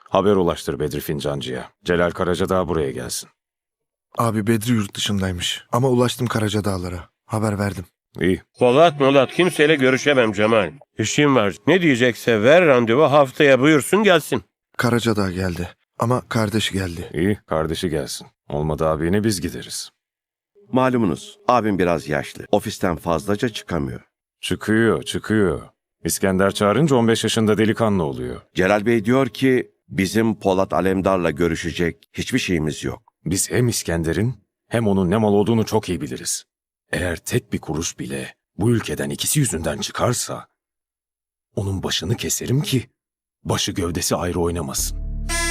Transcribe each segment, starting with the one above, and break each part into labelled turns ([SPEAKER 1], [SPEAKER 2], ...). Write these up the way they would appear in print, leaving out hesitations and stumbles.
[SPEAKER 1] Haber ulaştır Bedri Fincancı'ya. Celal Karacadağ buraya gelsin.
[SPEAKER 2] Abi Bedri yurt dışındaymış. Ama ulaştım Karacadağlara. Haber verdim.
[SPEAKER 1] İyi.
[SPEAKER 3] Polat kimseyle görüşemem Cemal. İşim var. Ne diyecekse ver randevu, haftaya buyursun gelsin.
[SPEAKER 2] Karacadağ geldi. Ama kardeşi geldi.
[SPEAKER 1] İyi. Kardeşi gelsin. Olmadı abine biz gideriz.
[SPEAKER 4] Malumunuz abim biraz yaşlı. Ofisten fazlaca çıkamıyor.
[SPEAKER 1] Çıkıyor. İskender çağırınca 15 yaşında delikanlı oluyor.
[SPEAKER 4] Celal Bey diyor ki bizim Polat Alemdar'la görüşecek hiçbir şeyimiz yok.
[SPEAKER 1] Biz hem İskender'in hem onun ne mal olduğunu çok iyi biliriz. Eğer tek bir kuruş bile bu ülkeden ikisi yüzünden çıkarsa onun başını keserim ki başı gövdesi ayrı oynamasın.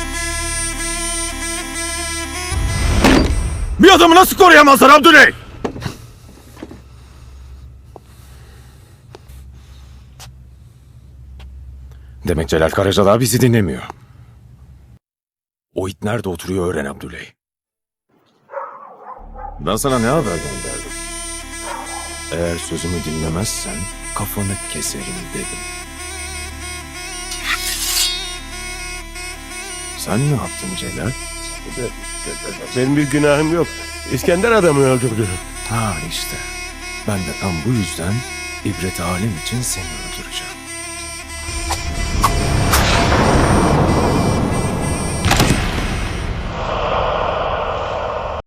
[SPEAKER 1] Bir adamı nasıl koruyamazlar Abdüley? Demek Celal Karacadağ bizi dinlemiyor. O it nerede oturuyor öğren Abdüley. Ben sana ne haber gönderdim? Eğer sözümü dinlemezsen kafanı keserim dedim. Sen ne yaptın Celal?
[SPEAKER 3] Benim bir günahım yok. İskender adamı öldürdü.
[SPEAKER 1] Ha işte. Ben de tam bu yüzden ibret alem için seni